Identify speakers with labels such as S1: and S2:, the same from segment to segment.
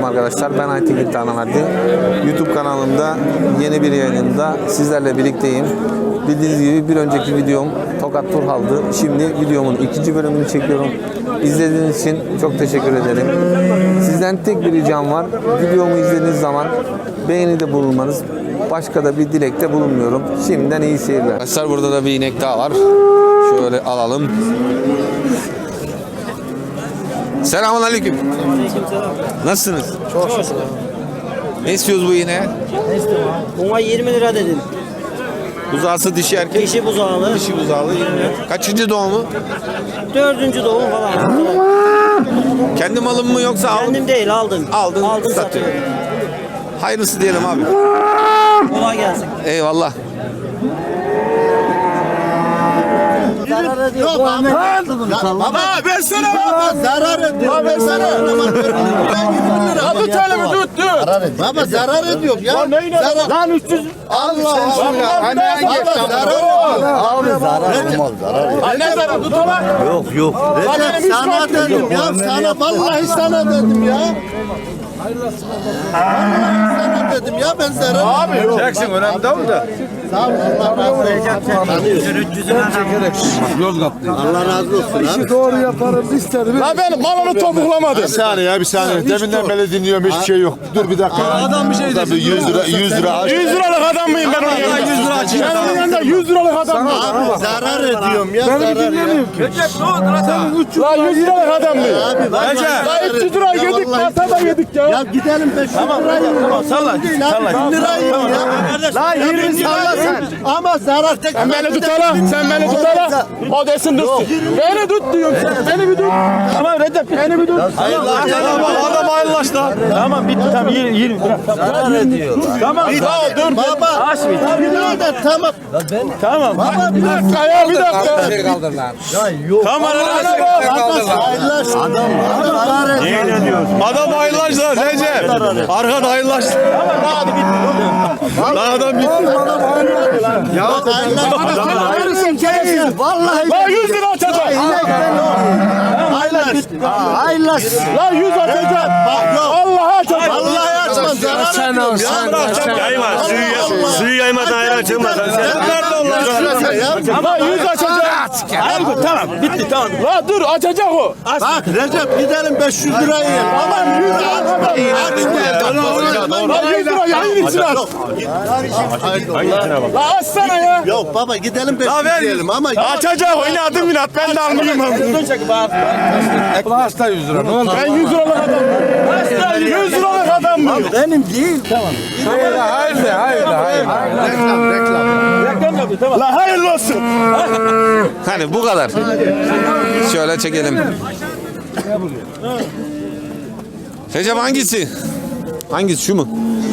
S1: arkadaşlar. Ben Aytekin Tanaverdi. YouTube kanalımda yeni bir yayınında sizlerle birlikteyim. Bildiğiniz gibi bir önceki videom Tokat Turhal'dı. Şimdi videomun ikinci bölümünü çekiyorum. İzlediğiniz için çok teşekkür ederim. Sizden tek bir ricam var. Videomu izlediğiniz zaman beğenide bulunmanız. Başka da bir dilekte bulunmuyorum. Şimdiden iyi seyirler. Arkadaşlar burada da bir inek daha var. Şöyle alalım. Selamünaleyküm.
S2: Aleykümselam.
S1: Nasılsınız?
S2: Çok şükür.
S1: Ne istiyoruz bu ineğe?
S2: Ne istiyorsun abi? Ona 20 lira dedim.
S1: Buzağısı dişi erkek.
S2: Dişi buzağlı.
S1: Dişi buzağlı 20. Kaçıncı doğumu?
S2: 4. doğum falan.
S1: Kendi malım mı yoksa aldın?
S2: Kendim değil aldım.
S1: Aldın,
S2: Aldım
S1: satıyor.
S2: satıyorum.
S1: Hayırlısı diyelim abi.
S2: Kolay gelsin.
S1: Eyvallah.
S2: Zarar ediyor. Bu Ahmet
S3: Baba versene baba. Zarar ediyor. Baba versene. Ya tut elimi tut. Baba zarar ediyor ya. Zarar. Lan 300. Allah Allah. Anne baba zarar ediyor.
S4: Abi zarar olmaz, zarar yok.
S3: Anne zarar tut ona.
S4: Yok.
S3: Recep sana dedim ya. Sana vallahi sana dedim ya. Vallahi sana dedim ya ben zarar. Abi çeksin önemli değil da. Sağ ol Allah razı olsun.
S4: Allah razı olsun.
S3: İşi doğru yaparız istedim. La ben malını topuklamadım.
S5: Bir saniye bir saniye. Deminden beri dinliyorum hiçbir şey yok. Dur bir dakika.
S3: Adam bir şey dedi.
S5: 100 lira 100 lira aç.
S3: 100 liralık adam mıyım ben onun yanında? 100 lira açayım. Ben onun yanında 100 liralık adam mıyım?
S4: Abi zarar ediyorum ya. Beni dinlemiyorum ki.
S3: La 100 liralık adam mıyım?
S4: Abi vallahi
S3: La 300 lira yedik, masada yedik ya.
S4: Ya gidelim 500 lirayı. Tamam
S3: Salla.
S4: 1000 lirayı ya.
S3: La 20 salla sen.
S4: Ama zarar tek.
S3: Sen beni tutala, sen beni tutala. O desin dursun. Beni tut diyorum sen, beni bir tut. Tamam Recep, beni bir tut. Adam hayırlaş da. Tamam bitti, tamam 20 bırak.
S4: Zarar ediyor.
S3: Tamam, dur.
S4: Baba.
S3: Aç bir.
S4: Birader tamam.
S3: Tamam.
S4: Baba
S3: Bir dakika ya, bir dakika.
S4: Ya yok.
S3: Tamam,
S4: Hayırlaş. Adam zarar ediyor.
S3: adam hayırlaş da Recep. Arkada hayırlaş. Tamam, hadi bitti. Lan adam bitti.
S4: Ya hayırlaş. Vallahi.
S3: La 100 lira açacak.
S4: Hayırlaş.
S3: La 100 açacak. Allah'a açacak.
S4: Vallahi açmam. Zarar ediyorum ya.
S6: Yayma, suyu yaymadan ayran açılmaz.
S3: La 100 açacak. Tamam, bitti tamam. La dur, açacak o.
S4: Bak Recep gidelim 500 lirayı yiyelim.
S3: Aman 100 lira. La 100 lira yayın için aç. La açsana ya.
S4: Yok baba gidelim 500 yiyelim ama
S3: Açacak o, inadım inat. Ben de almayayım abi.
S5: Hasta 100 lira. Ne oldu?
S3: Ben 100 liralık adam. 100 liralık adam mı?
S4: benim değil. Tamam.
S5: Hayır.
S3: La hayırlı olsun.
S1: Hani bu kadar. Şöyle çekelim. Recep hangisi? Hangisi, şu mu?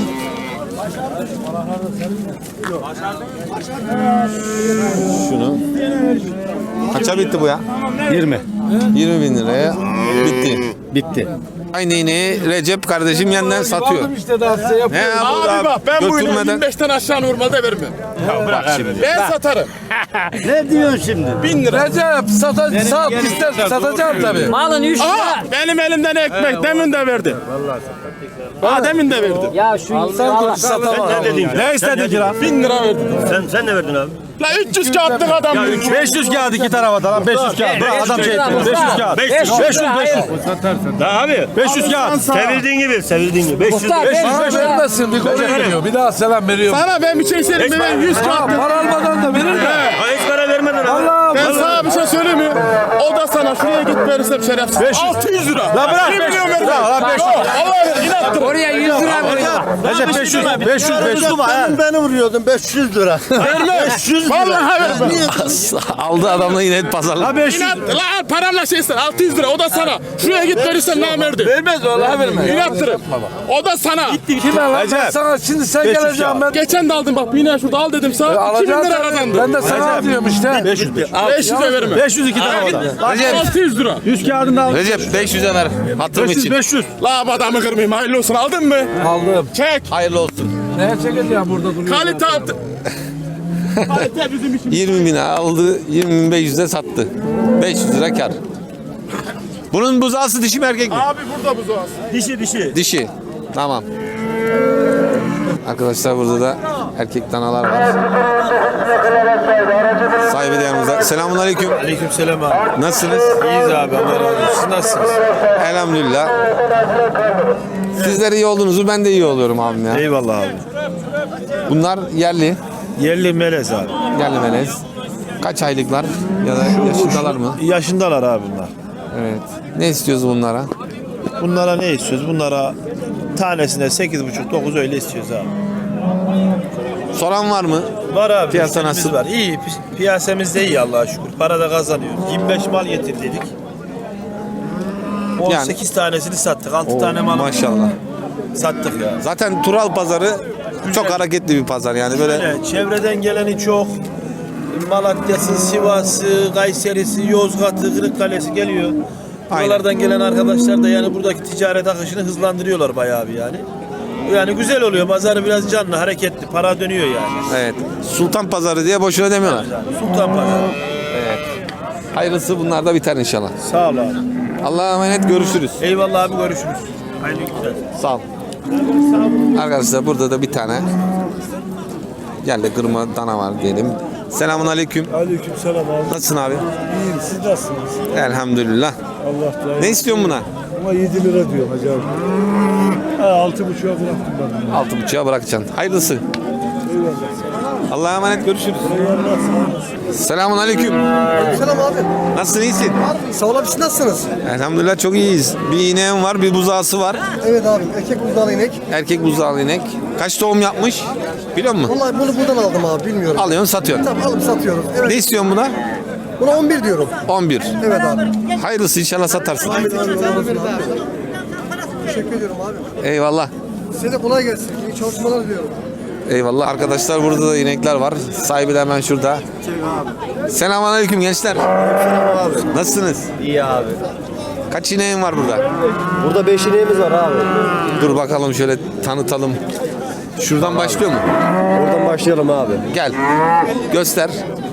S1: Şunu. Kaça bitti bu ya?
S5: 20.
S1: 20 bin liraya bitti. Aynı ineği Recep kardeşim yeniden satıyor.
S5: İşte daha size yap.
S1: Ne ya bu
S3: Abi
S1: da
S3: bak ben bu ineği
S1: götürmeden-
S3: 25'ten aşağı normalde vermem.
S1: Bak şimdi.
S3: Ben satarım.
S4: Ne diyorsun şimdi?
S3: 1000 lira.
S5: Recep sat ister satacağım tabii.
S2: Malın 3 lira.
S3: Aa, benim elimden ekmek demin de verdi. Vallahi demin de verdi.
S2: Ya şu Allah.
S6: Ne dediğim?
S3: Ne istedin ki lan? 1000 lira verdi.
S6: Sen ne verdin abi?
S3: La 300 kağıtlık adam.
S5: 500 kağıt iki tarafa da lan 500 kağıt. Adam şey 500 kağıt.
S6: 500. Daha abi.
S5: 500 kağıt.
S6: Sevildiğin gibi. 500.
S2: Muhtar,
S5: 500
S2: 500 lira.
S5: vermesin bir koca veriyor. Bir daha selam veriyor.
S3: Sana ben bir şey söyleyeyim mi? Ben 100 kağıtlık.
S5: Para almadan da verir de.
S6: Hiç para vermedin abi.
S5: Allah
S3: Ben sana bir şey söyleyeyim mi? O da sana şuraya git verirsem şerefsiz. 600 lira.
S5: La bırak
S3: 1
S5: 500
S3: milyon verdi.
S5: lira. La 500.
S3: Vallahi inattır.
S2: Oraya 100 lira koyuyor.
S5: Recep 500
S4: Beni vuruyordun 500 lira.
S3: Verme.
S4: 500 lira.
S3: Vallahi verme.
S1: Aldı adamla inek pazarlık.
S3: İnat. La paramla şey ister. 600 lira. O da sana. Şuraya git verirsen namerdi.
S5: Vermez vallahi vermez.
S3: İnattırım. O da sana.
S5: Kime lan? Ben sana şimdi sen geleceksin ben.
S3: Geçen de aldım bak. Bir ineği şurada al dedim sana. 2000
S5: Alacağım
S3: lira
S5: tabii.
S3: kazandı.
S5: Ben de sana diyorum işte.
S3: 500 de verme.
S5: 502 tane da.
S1: Recep,
S3: 600 lira.
S5: 100 kağıdını al.
S1: Recep 500'e ver. Hatırım için.
S5: 500.
S3: La adamı kırmayayım. Hayırlı olsun. Aldın mı?
S5: Aldım.
S3: Çek.
S1: Hayırlı olsun.
S5: Neye çekeceğim burada duruyor?
S3: Kalite altı. Kalite bizim için.
S1: 20 bin aldı, 20.500'e sattı. 500 lira kar. Bunun buzağısı dişi mi erkek mi?
S3: Abi burada buzoğaz.
S6: Dişi.
S1: Dişi. Tamam. Arkadaşlar burada da erkek danalar var. Sahibi de yanımızda. Selamünaleyküm.
S5: Aleykümselam abi.
S1: Nasılsınız?
S5: İyiyiz abi. Allah razı olsun. Siz nasılsınız?
S1: Elhamdülillah. Sizler iyi olduğunuzu ben de iyi oluyorum abim ya.
S5: Eyvallah abi.
S1: Bunlar yerli.
S5: Yerli melez abi.
S1: Yerli melez. Kaç aylıklar ya da yaşındalar mı?
S5: Yaşındalar abi bunlar.
S1: Evet. Ne istiyoruz bunlara?
S5: Bunlara ne istiyoruz? Bunlara tanesine 8,5-9 öyle istiyoruz abi.
S1: Soran var mı?
S5: Var abi.
S1: Piyasa
S5: müşterimiz
S1: nasıl?
S5: Var. İyi. Piyasamız da iyi Allah'a şükür. Para da kazanıyor. 25 mal getirdik. 18 tanesini sattık. 6 tane mal
S1: Maşallah.
S5: sattık ya.
S1: Zaten Tural pazarı çok hareketli bir pazar yani böyle.
S5: Evet, çevreden geleni çok. Malatya'sı, Sivas'ı, Kayseri'si, Yozgat'ı, Kırıkkale'si geliyor. Buralardan gelen arkadaşlar da yani buradaki ticaret akışını hızlandırıyorlar bayağı bir yani. Yani güzel oluyor. Pazarı biraz canlı, hareketli. Para dönüyor yani.
S1: Evet. Sultan pazarı diye boşuna demiyorlar.
S5: Sultan Pazarı.
S1: Evet. Hayırlısı bunlar da biter inşallah.
S5: Sağ ol abi.
S1: Allah'a emanet, görüşürüz.
S5: Eyvallah abi, görüşürüz. Hayırlı günler.
S1: Sağ ol. Arkadaşlar burada da bir tane yerli kırma dana var diyelim. Selamun aleyküm.
S7: Aleykümselam abi.
S1: Nasılsın abi?
S7: İyiyim, siz nasılsınız?
S1: Elhamdülillah.
S7: Allah da
S1: Ne istiyorsun buna?
S7: Ama 7 lira diyor hacı abi. Ha, 6,5'a bıraktım ben.
S1: 6,5'a bırakacaksın. Hayırlısı. Allah'a emanet, görüşürüz. Selamun aleyküm.
S8: Selam abi.
S1: Nasılsın, iyisin?
S8: Sağ olun, siz nasılsınız?
S1: Elhamdülillah çok iyiyiz. Bir ineğim var, bir buzağısı var.
S8: Evet abi, erkek buzdağlı inek.
S1: Erkek buzağlı inek. Kaç doğum yapmış? Biliyor musun?
S8: Vallahi bunu buradan aldım abi, bilmiyorum.
S1: Alıyorsun, satıyorsun.
S8: Tamam, alıp satıyoruz. Evet.
S1: Ne istiyorsun buna?
S8: Buna 11 diyorum.
S1: 11.
S8: Evet abi.
S1: Hayırlısı, inşallah satarsın.
S8: Amin abi, Allah olsun abi. Teşekkür ediyorum abi.
S1: Eyvallah.
S8: Size de kolay gelsin. İyi çalışmalar diliyorum.
S1: Eyvallah. Arkadaşlar burada da inekler var. Sahibi de hemen şurada. Selamünaleyküm gençler. Nasılsınız?
S4: İyi abi.
S1: Kaç ineğin var burada?
S4: Burada 5 ineğimiz var abi.
S1: Dur bakalım şöyle tanıtalım. Şuradan başlıyor mu?
S4: Oradan başlayalım abi.
S1: Gel. Göster.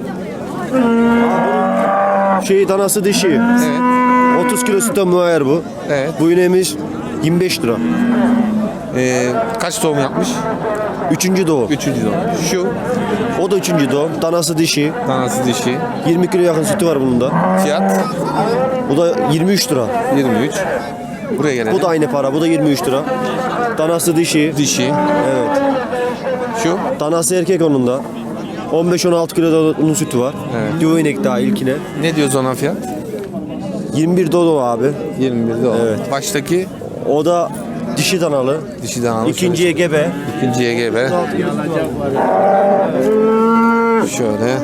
S4: Danası dişi.
S1: Evet.
S4: 30 kilo sütten muayyer bu.
S1: Evet.
S4: Bu ineğimiz 25 lira.
S1: Kaç doğum yapmış?
S4: 3. doğum.
S1: 3. doğum. Şu
S4: O da 3. doğum. Danası dişi.
S1: danası dişi.
S4: 20 kilo yakın sütü var bunun da.
S1: Fiyat
S4: Bu da 23 lira.
S1: 23. Buraya gelelim.
S4: Bu da aynı para. Bu da 23 lira. Danası dişi.
S1: dişi.
S4: Evet.
S1: Şu
S4: Danası erkek onun da. 15-16 kilo da onun sütü var.
S1: Evet.
S4: Yuva inek daha ilkine.
S1: ne diyoruz ona fiyat?
S4: 21 dodo abi.
S1: 21'de o.
S4: Evet.
S1: Baştaki
S4: O da dişi danalı.
S1: dişi danalı.
S4: İkinciye gebe.
S1: İkinciye gebe. Şöyle.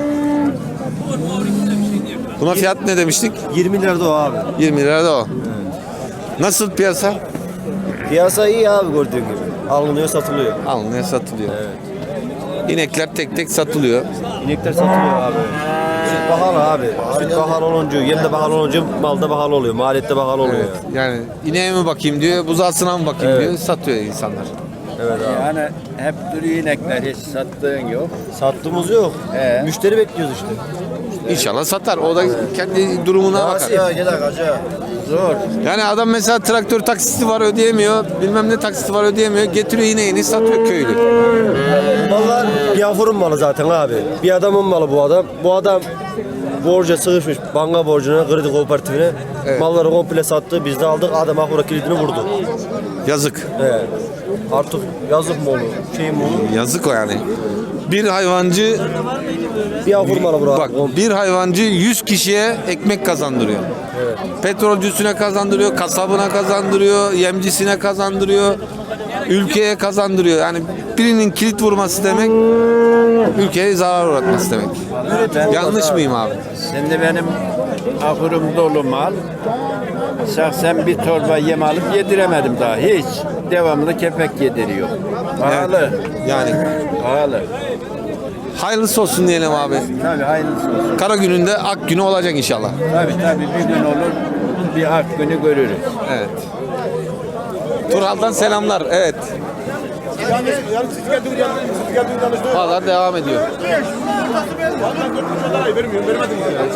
S1: Buna fiyat ne demiştik?
S4: 20 lira da o abi.
S1: 20 lira da o. Nasıl piyasa?
S4: Piyasa iyi abi gördüğün gibi. Alınıyor satılıyor.
S1: Alınıyor, satılıyor. İnekler tek tek satılıyor.
S4: İnekler satılıyor abi. Süt pahalı abi. Süt pahalı olunca, yem de pahalı olunca mal da pahalı oluyor. Maliyet de pahalı oluyor.
S1: Evet. Yani ineğe mi bakayım diyor, buzağısına mı bakayım diyor, satıyor insanlar.
S4: Evet abi.
S9: Yani hep duruyor inekler, hiç sattığın yok.
S4: Sattığımız yok. Müşteri bekliyoruz işte.
S1: İnşallah satar. O da kendi durumuna bakar.
S4: Ya gel hacı.
S9: Zor.
S1: Yani adam mesela traktör taksiti var ödeyemiyor, bilmem ne taksiti var ödeyemiyor, getiriyor ineğini satıyor köylü.
S4: Mallar bir afurun malı zaten abi. Bir adamın malı bu adam. Bu adam borca sığışmış banka borcuna, kredi kooperatifine.
S1: Evet.
S4: Malları komple sattı. Biz de aldık. Adam ahura kilidini vurdu.
S1: Yazık.
S4: Evet. Artık yazık mı olur? Şey mi olur?
S1: Yazık o yani. Bir hayvancı
S4: Bir afur malı bura.
S1: bak bir hayvancı 100 kişiye ekmek kazandırıyor. Petrolcüsüne kazandırıyor, kasabına kazandırıyor, yemcisine kazandırıyor, ülkeye kazandırıyor. Yani birinin kilit vurması demek ülkeye zarar uğratması demek. Yanlış mıyım abi?
S9: Şimdi benim ahurum dolu mal. Şahsen bir torba yem alıp yediremedim daha hiç. Devamlı kepek yediriyor. Pahalı.
S1: Yani
S9: Pahalı.
S1: hayırlısı olsun diyelim abi.
S9: Tabii hayırlısı olsun.
S1: Kara gününde ak günü olacak inşallah.
S9: Tabii bir gün olur bir ak günü görürüz.
S1: Evet. Turhal'dan selamlar. Evet.
S7: Yani siz geldiğiniz yanlış.
S1: Pazar devam ediyor.
S7: Vermiyorum, vermedim.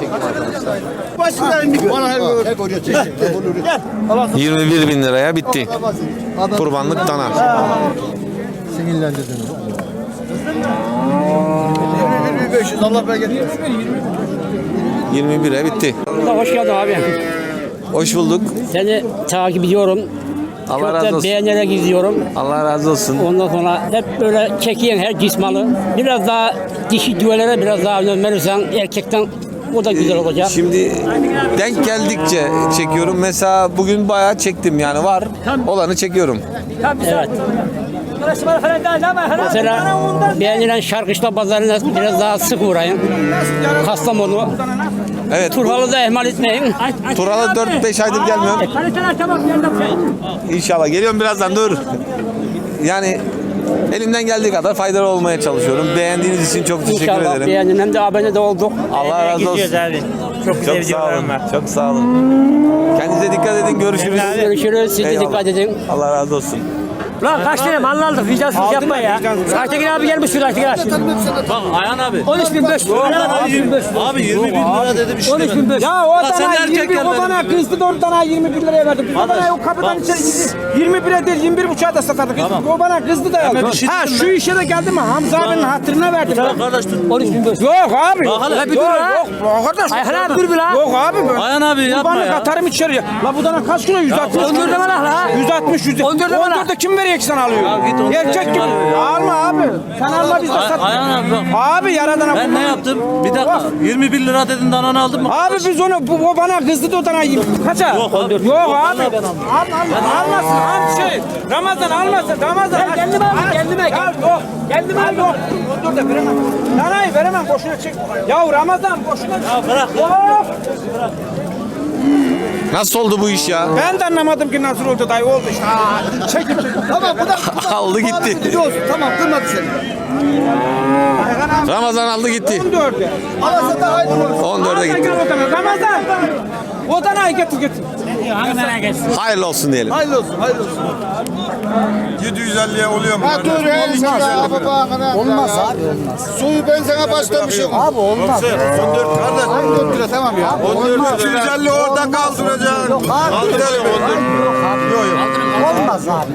S3: Bana hep hoca çekti.
S1: 21.000 liraya bitti. Kurbanlık dana.
S3: Sinirlendirdin. 500 Allah bereket versin.
S1: 21'e bitti.
S10: Hoş geldin abi.
S1: Hoş bulduk.
S10: Seni takip ediyorum.
S1: Allah
S10: Çok
S1: razı
S10: da
S1: olsun.
S10: beğenerek izliyorum.
S1: Allah razı olsun.
S10: Ondan sonra hep böyle çekiyen her cismalı. Biraz daha dişi düvelere biraz daha önem verirsen erkekten o da güzel olacak.
S1: Şimdi denk geldikçe çekiyorum. Mesela bugün bayağı çektim yani var. Olanı çekiyorum.
S10: Evet. Mesela beğenilen Şarkışla pazarına biraz daha sık uğrayın. Kastamonu.
S1: Evet.
S10: Turhalı da ihmal etmeyin.
S1: Turalı 4-5 aydır gelmiyorum. İnşallah geliyorum birazdan dur. Yani elimden geldiği kadar faydalı olmaya çalışıyorum. Beğendiğiniz için çok teşekkür
S10: İnşallah
S1: ederim.
S10: beğenin hem de abone de olduk.
S1: Allah razı olsun.
S10: Abi. Çok
S1: Çok sağ olun. Çok sağ olun. Kendinize dikkat edin. Görüşürüz.
S10: Görüşürüz. Siz de
S1: Eyvallah.
S10: dikkat edin.
S1: Allah razı olsun.
S10: Lan kaç tane mal aldık? Vicdansız yapma ya. Aytekin abi gelmiş şuraya Aytekin abi.
S2: Bak Ayhan abi.
S10: 13.500.
S2: Abi 20 bin lira dedi bir şey demedi.
S10: 13.500.
S11: Ya o
S2: sen
S11: dana
S2: erkek
S11: 20 o
S2: gelmedin
S11: dana
S2: diyor.
S11: kızdı da o dana 21 liraya verdik. Biz o
S2: Kardeş,
S11: dana o kapıdan
S2: bak.
S11: içeri 21'e değil 21,5'a da satardık.
S2: Tamam.
S11: O bana kızdı da
S2: Hemen
S11: yazdı.
S2: bir şey
S11: Ha
S2: dedim
S11: şu
S2: ben.
S11: işe de geldi mi? Hamza abinin hatırına verdim.
S2: Tamam kardeş tut.
S10: 13.500.
S11: Yok abi.
S2: Bak hele.
S11: Yok
S2: Bir dur
S11: yok.
S2: ha.
S11: Yok kardeş.
S10: Ayhan abi dur bir la.
S11: Yok abi.
S2: Ayhan abi yapma
S11: Kurbanlık
S2: ya.
S11: atarım içeriye. La bu dana kaç kilo? 160
S10: 14'e
S11: kilo.
S10: bana la.
S11: 160 100.
S10: 14'e bana.
S11: 14'e kim veriyor ki sen alıyor?
S2: Ya git 14'e
S11: Erkek
S2: kim
S11: gibi.
S2: alıyor ya?
S11: Alma abi. Sen alma biz de sat.
S2: Ayhan abi bak.
S11: Abi yaradana.
S2: Ben ne yaptım? Bir dakika. 21 lira dedin dananı aldın mı?
S11: Abi biz onu o bana kızdı da o dana kaça?
S2: Yok abi.
S11: Yok abi.
S2: Vallahi ben almam.
S11: Almasın. Al şey. Ramazan almasın. Ramazan.
S10: Ben kendime aldım, kendime.
S11: Ya yok. Kendime al yok. Dur da veremem. Danayı veremem. Boşuna çek. Ya Ramazan boşuna.
S2: Ya bırak ya.
S11: Of.
S1: Nasıl oldu bu iş ya?
S11: Ben de anlamadım ki nasıl oldu dayı oldu işte. Çekip çekip.
S3: Tamam bu da
S1: Aldı gitti.
S3: Tamam kırmadı seni.
S1: Ramazan aldı gitti.
S11: 14'e.
S3: Alasa da aynı olur.
S1: 14'e gitti.
S11: Ramazan. O danayı getir getir.
S1: Hayırlı olsun diyelim.
S3: Hayırlı olsun, hayırlı olsun.
S7: 750'ye oluyor mu?
S3: Ha dur olmaz abi olmaz. Suyu ben sana başlamışım. Abi olmaz. 14 lira tamam ya.
S7: 250 orada kaldıracaksın. Kaldıralım 14.
S3: Olmaz abi.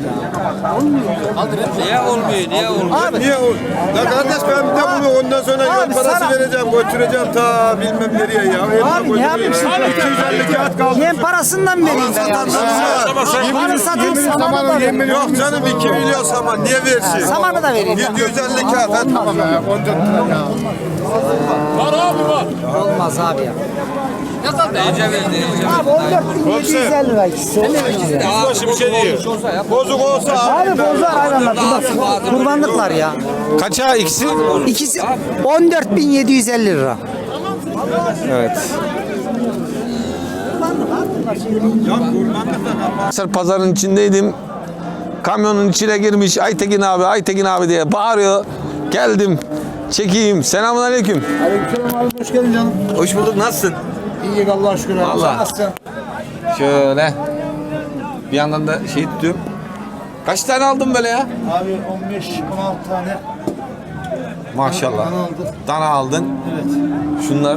S9: Niye olmuyor? Niye olmuyor?
S7: Niye o? Ya kardeş ben de bunu ondan sonra yol parası vereceğim, götüreceğim ta bilmem nereye ya.
S11: Abi ne yapayım şimdi?
S7: 250 kağıt kaldı.
S11: Yem parasından vereyim ben ya. Bana satayım samanı da vereyim.
S7: Yok canım 2 milyon saman niye versin?
S11: Samanı da vereyim.
S7: 750 kağıt hadi.
S3: Tamam ya 14 lira ya.
S11: Olmaz abi ya.
S9: Abi
S11: 14.750 lira ikisi.
S7: Boş bir şey değil. Bozuk olsa
S11: Abi bozar hayvanlar. Kurbanlıklar ya.
S1: Kaça ikisi?
S11: İkisi 14.750 lira.
S1: Evet. Pazarın içindeydim. Kamyonun içine girmiş Aytekin abi, Aytekin abi diye bağırıyor. Geldim. Çekeyim. Selamun aleyküm.
S3: Aleykümselam abi hoş geldin canım.
S1: Hoş bulduk. Nasılsın?
S3: İyi Allah'a şükür abi.
S1: Vallahi.
S3: Sen nasılsın?
S1: Şöyle. Bir yandan da şey tutuyorum. Kaç tane aldın böyle ya?
S3: Abi 15-16 tane
S1: Maşallah.
S3: dana aldım.
S1: Dana aldın.
S3: Evet.
S1: Şunlar.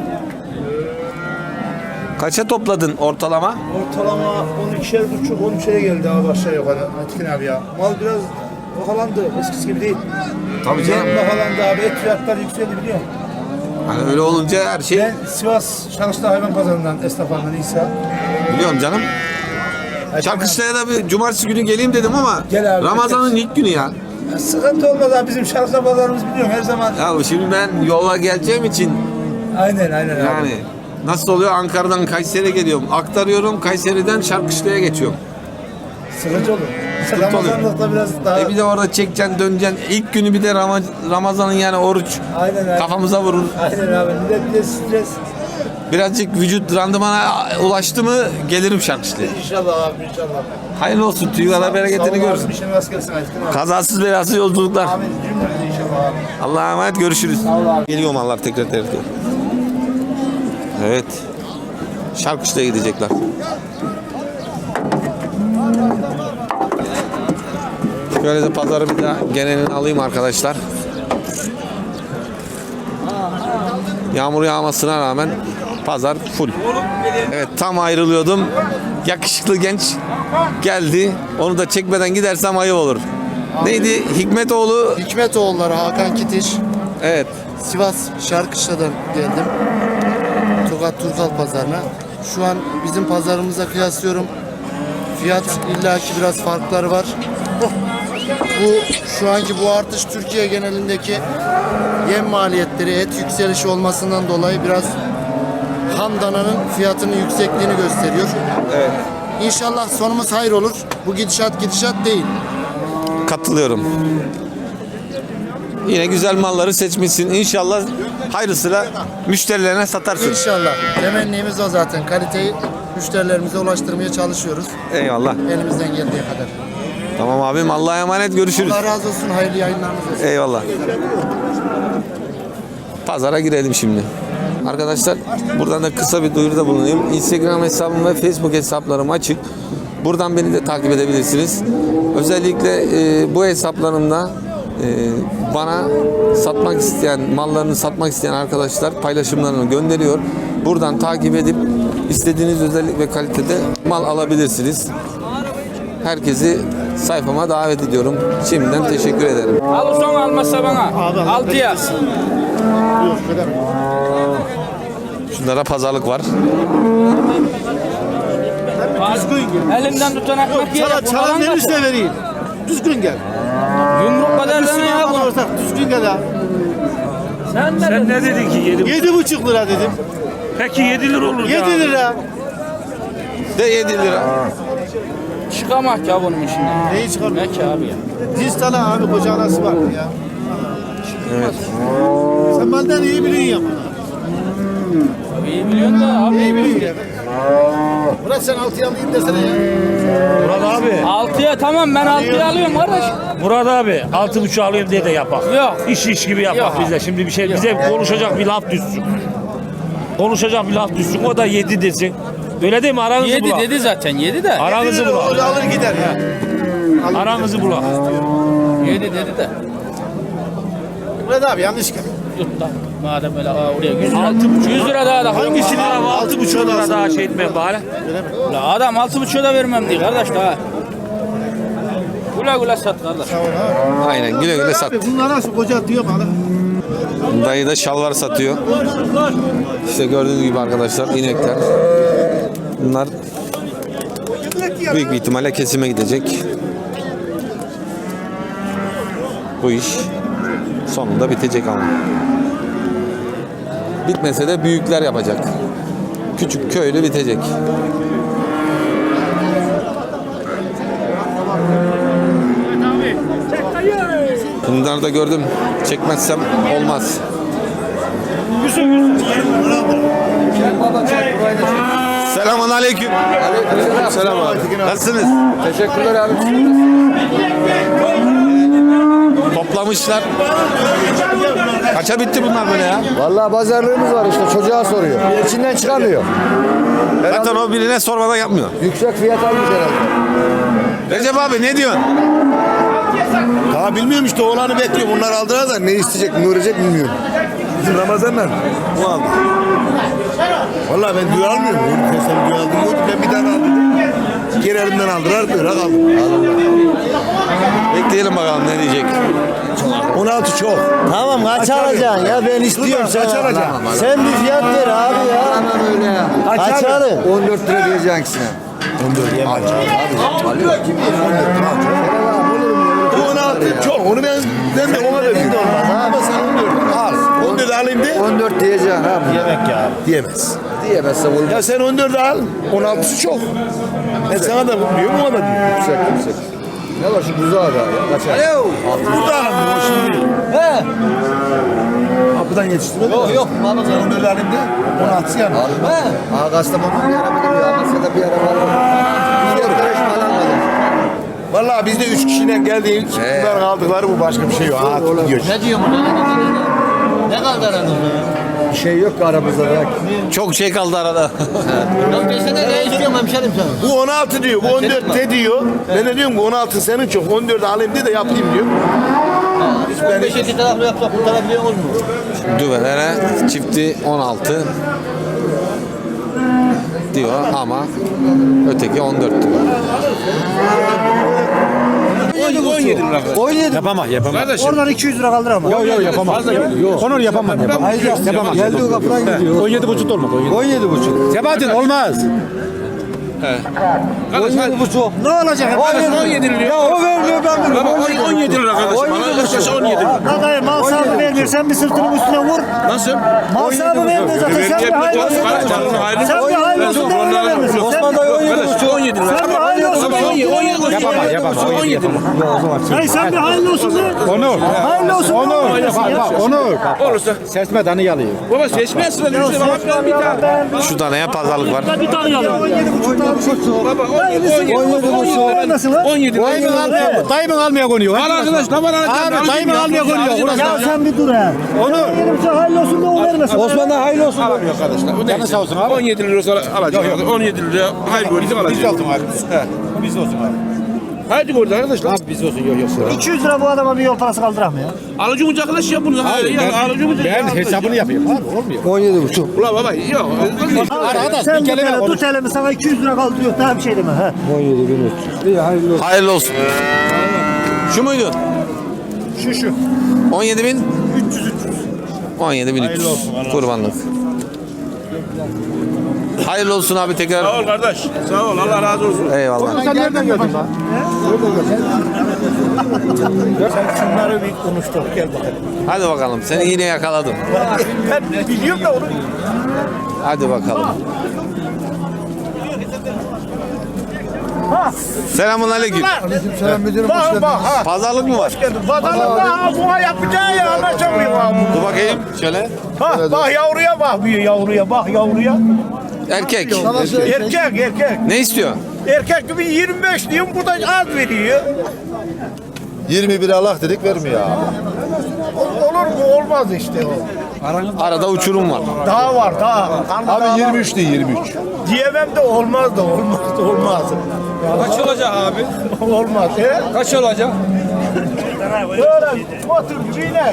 S1: Kaça topladın ortalama?
S3: Ortalama 12,5-13'e geldi abi aşağı yukarı. Aytekin abi ya. Mal biraz bahalandı. Eskisi gibi değil.
S1: Tabii canım.
S3: Yem bahalandı abi. Et fiyatları yükseldi biliyor musun?
S1: Hani öyle olunca her şey
S3: Ben Sivas Şarkışlı Hayvan Pazarı'ndan esnaflarından İsa.
S1: biliyorum canım. Çarkışla'ya da bir cumartesi günü geleyim dedim ama
S3: Gel abi,
S1: Ramazan'ın ilk günü ya.
S3: Ya sıkıntı olmaz abi. Bizim Şarkışlı Pazarımız biliyorum her zaman.
S1: Ya şimdi ben yola geleceğim için
S3: Aynen aynen abi.
S1: yani nasıl oluyor? Ankara'dan Kayseri'ye geliyorum. Aktarıyorum. Kayseri'den Şarkışla'ya geçiyorum.
S3: Sıkıntı olur.
S1: Sıkıntı oluyor.
S3: Ramazanlıkta biraz daha...
S1: Bir de orada çekeceksin, döneceksin. İlk günü bir de Ramazan'ın yani oruç
S3: Aynen abi.
S1: kafamıza vurur.
S3: Aynen abi. Bir de stres.
S1: Birazcık vücut randımana ulaştı mı gelirim Şarkışla'ya.
S3: İnşallah abi inşallah.
S1: Hayırlı olsun. Tüyvara bereketini görürsün.
S3: İşin rast gelsin Aytekin abi.
S1: Kazasız belasız yolculuklar.
S3: Amin. Cümlemize inşallah abi.
S1: Allah'a emanet, görüşürüz. Geliyor mallar tekrar. Evet. Şarkışla'ya gidecekler. Şöyle de pazarı bir daha genelini alayım arkadaşlar. Yağmur yağmasına rağmen pazar full. Evet, tam ayrılıyordum. Yakışıklı genç geldi. Onu da çekmeden gidersem ayıp olur. Neydi? Hikmetoğlu.
S3: Hikmetoğulları Hakan Kitiş.
S1: Evet.
S3: Sivas Şarkışla'dan geldim. Tokat Turkal pazarına. Şu an bizim pazarımıza kıyaslıyorum. Fiyat illaki biraz farkları var. Şu anki bu artış Türkiye genelindeki yem maliyetleri, et yükselişi olmasından dolayı biraz ham dananın fiyatının yüksekliğini gösteriyor.
S1: Evet.
S3: İnşallah sonumuz hayır olur. Bu gidişat değil.
S1: Katılıyorum. Yine güzel malları seçmişsin. İnşallah hayırlısıyla müşterilerine satarsın.
S3: İnşallah. Temennimiz o zaten. Kaliteyi müşterilerimize ulaştırmaya çalışıyoruz.
S1: Eyvallah.
S3: Elimizden geldiği kadar.
S1: Tamam abim. Allah'a emanet. Görüşürüz.
S3: Allah razı olsun. Hayırlı yayınlarınız olsun.
S1: Eyvallah. Pazara girelim şimdi. Arkadaşlar buradan da kısa bir duyuruda bulunayım. Instagram hesabım ve Facebook hesaplarım açık. Buradan beni de takip edebilirsiniz. Özellikle bu hesaplarımda bana satmak isteyen, mallarını satmak isteyen arkadaşlar paylaşımlarını gönderiyor. Buradan takip edip istediğiniz özellik ve kalitede mal alabilirsiniz. Herkesi sayfama davet ediyorum. Şimdiden teşekkür ederim.
S11: Al son almazsa bana. 6 yaz.
S1: Şunlara pazarlık var.
S11: Elimden tutan ekmek yiyerek
S5: Çalan verirse vereyim. Düzgün gel.
S11: yumruk kadar da ya bu.
S5: Düzgün gel abi.
S6: Sen ne dedin ki
S5: 7,5 lira dedim.
S6: Peki 7 lira olur
S5: 7 lira.
S1: De 7 lira.
S11: Çıkamak ya bunun içinden.
S5: Neyi çıkarmıyor?
S11: Ne ki abi ya?
S5: Diz tala abi koca anası var ya.
S1: Evet.
S5: Sen benden iyi biliyorsun ya.
S11: İyi biliyorsun da abi.
S5: İyi biliyorsun ya. Murat sen 6'ya alayım desene ya.
S6: Murat abi.
S11: 6'ya tamam ben 6'ya alıyorum kardeş.
S6: Murat abi 6,5 alayım diye de yapak.
S11: Yok.
S6: İş gibi yapak
S11: Yok.
S6: bize. Şimdi bir şey bize konuşacak bir laf düşsün. Konuşacak bir laf düşsün. O da 7 desin. Öyle değil mi? Aranızı
S11: 7
S6: bulak.
S11: dedi zaten 7 de.
S6: Aranızı bulak.
S5: Alır gider ya.
S6: Aranızı bulak.
S11: 7 dedi de.
S5: Murat abi yanlış gel.
S11: Tut da. Madem öyle oraya 100 lira. 100 lira daha da.
S6: Hangisi lira? 6,5 lira daha şey etmeye bari.
S11: La adam 6,5'a da vermem diye kardeş daha. Güle güle sat kardeş.
S1: Aynen, güle güle sat.
S5: Bunlar nasıl koca diyor bana.
S1: Dayı da şalvar satıyor. İşte gördüğünüz gibi arkadaşlar inekler. Bunlar büyük bir ihtimalle kesime gidecek. Bu iş sonunda bitecek ama. Bitmese de büyükler yapacak. Küçük köylü bitecek. Bunları da gördüm. Çekmezsem olmaz. Selamun aleyküm. Selam abi. Nasılsınız? Teşekkürler abi. Toplamışlar. Kaça bitti bunlar böyle ya?
S3: Vallahi pazarlığımız var işte. Çocuğa soruyor. İçinden çıkamıyor.
S1: Zaten o birine sormadan yapmıyor.
S3: Yüksek fiyat almış herhalde.
S1: Recep abi ne diyorsun?
S3: Daha bilmiyorum işte oğlanı bekliyor. Bunlar aldılar da ne isteyecek, ne görecek bilmiyorum. Bizim Ramazan'la bu aldı. Vallahi ben düğü almıyorum. Sen düğü aldın mı? Ben bir tane aldım. Geri elimden aldılar, bırak aldım.
S1: Bekleyelim bakalım ne diyecek.
S3: 16 çok. Tamam kaç alacaksın ya ben istiyorum sen. Kaç alacaksın? Sen bir fiyat ver abi ya. Tamam öyle ya. Kaç alın? 14 lira diyeceksin ikisine. 14 yemem. Abi alıyor. Kim yemem? 16 çok. Onu ben de ona veriyorum. Ama sen 14 al. 14 alayım de. 14 diyeceksin abi. Yemek ya. Diyemez. Diyemezse olur. Ya sen 14 al. 16'sı çok. Ben sana da diyorum ona da diyorum. Yüksek. Ne var şu buzağı da ya? Kaç ay? Burada alamıyor şimdi. He. Kapıdan yetiştirmedi. Yok. Baba sen 14 alayım de. 16'sı yani. He. Ağa Kastamonu'nun bir araba gidiyor. Amasya'da bir araba var. Bir de 5 mal almadım. Vallahi biz de 3 kişiyle geldik. Bunların aldıkları bu başka bir şey yok. Ne diyor bu? Ne kadar aranızda ya? Bir şey yok ki aramızda da.
S1: Çok şey kaldı arada.
S3: Bu 16 diyor, bu 14 de diyor. Ben de diyorum ki 16 senin çok, 14 alayım diye de yapayım diyor.
S1: Düvelere çifti 16 diyor ama öteki 14 diyor.
S5: 17 lira.
S3: 17.
S5: Yapamaz yapamaz. Kardeşim.
S11: Oradan 200 lira kaldır ama.
S5: Yok yapamaz. Yok. Onur yapamaz. Yapamaz.
S3: Geldiği kapıdan gidiyor.
S5: 17,5 olmaz.
S3: 17,5.
S5: Sebahattin olmaz.
S3: 17,5.
S11: Ne olacak?
S5: 17 lira.
S3: Ya o vermiyor ben bunu.
S5: Baba 17 lira kardeşim. Bana yaşasa 17 lira.
S11: Kadayı mal sahibi vermiyor. Sen bir sırtının üstüne vur.
S5: Nasıl?
S11: Mal sahibi vermiyor zaten. Sen bir hayırlı olsun. Sen bir hayırlı olsun da öyle vermiyorsun.
S3: Osman dayı 17,5.
S5: 17 lira.
S11: Sen bir hayırlı olsun da 17
S5: Yapamaz. 17 lira.
S11: Hayır sen bir hayırlı olsun da.
S5: Onur.
S11: Hayırlı olsun da.
S5: Onur. Olursa. Seçme danı yalıyor. Baba seçme sıra işte bana biraz bir tane.
S1: Şu taneye pazarlık var.
S11: Bir tane yalan. 17,5 daha bir şey.
S5: Baba
S11: 17,5. Nasıl lan?
S5: 17 lira.
S3: Dayımın almaya konuyor.
S5: Al arkadaş ne var
S3: Abi dayımın almaya konuyor.
S11: Ya sen bir dur ha.
S3: Onur.
S11: 17,5 hayırlı olsun da o vermesin.
S3: Osman da hayırlı olsun.
S5: Alamıyor arkadaşlar. Canı sağ olsun abi. 17 lira sonra alacak. 17 lira hayır gördük alacak. Biz olsun abi. Biz olsun abi. Haydi gördük arkadaşlar. Abi biz olsun yok.
S11: 200 lira bu adama bir yol parası kaldırak mı ya?
S5: Alıcı ucaklaşıyor ya bunu. Ben hesabını yapayım abi olmuyor.
S3: 17,5.
S5: Ulan baba yok.
S3: Arkadaş
S11: Sen
S3: bir
S11: bu
S3: kelime
S11: tane
S3: konuş.
S11: tut elimi sana 200 lira kaldırıyor daha bir şey deme ha.
S3: 17,5. İyi hayırlı olsun.
S1: Hayırlı olsun. Şu muydu?
S11: Şu.
S1: 17.300. 17.300. Kurbanlık. Hayırlı olsun abi tekrar.
S5: Sağ ol kardeş. Sağ ol Allah razı olsun.
S1: Eyvallah.
S3: Sen nereden gördün lan?
S11: Şunları bir konuştuk gel bakalım.
S1: Hadi bakalım. Seni yine yakaladım.
S11: Ben biliyorum da onu.
S1: Hadi bakalım. Selamun aleyküm.
S3: Selam müdürüm hoş geldin.
S1: Pazarlık mı var?
S11: Pazarlıkta buna yapacağı ya anlaşamıyor abi.
S1: Dur bakayım şöyle.
S11: Bak yavruya bak yavruya bak yavruya.
S1: Erkek.
S11: Erkek.
S1: Ne istiyor?
S11: Erkek gibi 25 diyorum burada az veriyor.
S3: 21 Allah dedik vermiyor abi.
S11: Olur mu olmaz işte o.
S1: Arada uçurum var.
S11: Daha var daha.
S3: Abi 23 değil 23.
S11: Diyemem de olmaz da olmaz.
S5: Kaç olacak abi?
S11: Olmaz.
S5: Kaç olacak?
S11: Böyle motor gibi iner.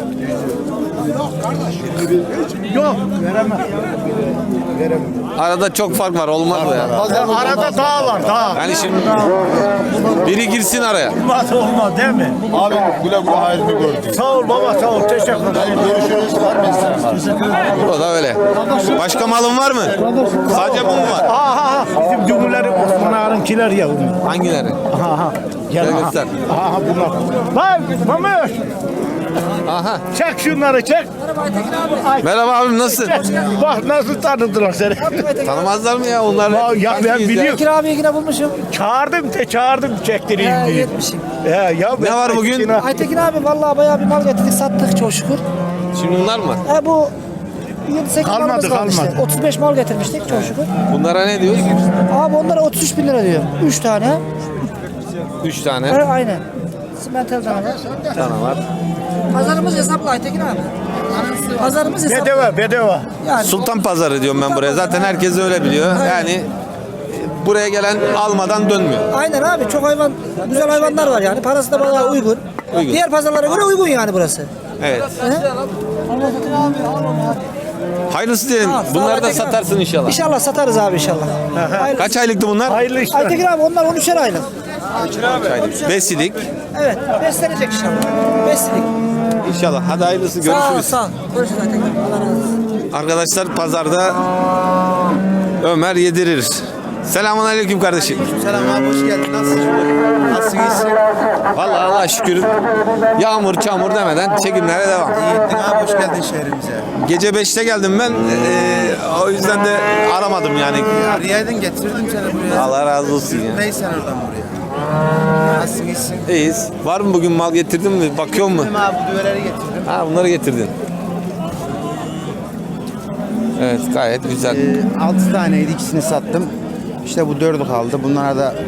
S11: Yok veremem.
S1: Arada çok fark var. Olmaz bu ya.
S11: Arada dağ var dağ.
S1: Yani şimdi biri girsin araya.
S11: Olmaz değil mi?
S3: Abi güle güle hayırlı gördük.
S11: Sağ ol baba sağ ol teşekkür ederim.
S3: Görüşürüz. Var mı istedim?
S1: O da öyle. Başka malın var mı? Sadece bu mu var?
S11: Aha bizim cumhurları Osman Ağa'nınkiler ya.
S1: Hangileri?
S11: Aha.
S1: Gel göster.
S11: Aha bunlar. Bak Mamuş.
S1: Aha.
S11: Çek şunları çek.
S1: Merhaba abim nasılsın?
S11: Bak nasıl tanıdılar seni.
S1: Tanımazlar mı ya onlar?
S11: Ya ben biliyorum.
S10: Bekir abi yine bulmuşum.
S11: Çağırdım çektireyim diye.
S10: Yetmişim.
S11: Ya
S1: Ne var bugün?
S10: Aytekin abi vallahi bayağı bir mal getirdik sattık çok şükür.
S1: Şimdi bunlar mı?
S10: Bu 7-8
S11: Kalmadı,
S10: malımız kaldı işte.
S11: kalmadı.
S10: 35 mal getirmiştik çok şükür.
S1: Bunlara ne diyoruz?
S10: Abi onlara 33 bin lira diyor. 3 tane.
S1: 3 tane
S10: Aynen. Simentel tane var.
S1: var.
S10: Pazarımız hesaplı Aytekin abi. Pazarımız hesaplı.
S11: Bedava.
S10: Yani
S1: Sultan Pazarı diyorum ben buraya. Zaten herkes öyle biliyor. Yani buraya gelen almadan dönmüyor.
S10: aynen abi çok güzel hayvanlar var yani. Parası da bayağı uygun.
S1: Uygun.
S10: Diğer pazarlara göre uygun yani burası.
S1: Evet. Hayırlısı diyelim.
S10: Sağ ol,
S1: Bunları da
S10: Aytekin abi.
S1: satarsın inşallah.
S10: İnşallah satarız abi inşallah.
S1: Kaç aylıktı bunlar?
S11: Hayırlı işler.
S10: Aytekin abi onlar 13'er aylık.
S1: Besilik.
S10: Evet beslenecek inşallah. Besledik.
S1: İnşallah. Hadi hayırlısı.
S10: Sağ ol
S1: Görüşürüz.
S10: sağ ol. Görüşürüz Aytekin. Allah razı olsun.
S1: Arkadaşlar pazarda Ömer yedirir. Selamun aleyküm kardeşim.
S3: Selam abi hoş geldin. Nasılsınız?
S1: Vallahi Allah'a şükür yağmur çamur demeden çekimlere devam.
S3: İyi abi hoş geldin şehrimize.
S1: Gece 5'te geldim ben. O yüzden de aramadım yani.
S3: Riyaydın getirdim seni buraya.
S1: Allah razı olsun ya.
S3: Neyse oradan buraya. Nasılsın iyisin?
S1: İyiyiz. Var mı bugün mal getirdin mi? Bakıyor mu?
S3: Abi bu düveleri getirdim.
S1: Ha bunları getirdin. Evet gayet güzel.
S12: 6 taneydi ikisini sattım. İşte bu 4'ü kaldı. Bunlara da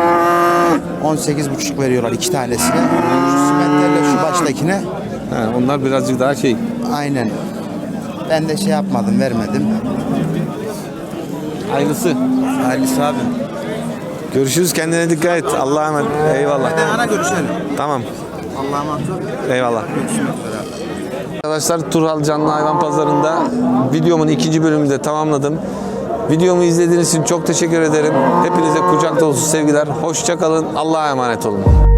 S12: 18,5 veriyorlar 2 tanesine. Şu simetlerle şu baştakine.
S1: Ha, onlar birazcık daha şey.
S12: Aynen. Ben de şey yapmadım, vermedim.
S1: Hayırlısı.
S12: Hayırlısı abi.
S1: Görüşürüz. Kendine dikkat et. Allah'a emanet. Eyvallah.
S12: Ana görüşelim.
S1: Tamam.
S12: Allah'a emanet ol.
S1: Eyvallah.
S12: Görüşmek üzere.
S1: Arkadaşlar Turhal Canlı Hayvan Pazarı'nda videomun ikinci bölümünü de tamamladım. Videomu izlediğiniz için çok teşekkür ederim. Hepinize kucak dolusu sevgiler. Hoşça kalın. Allah'a emanet olun.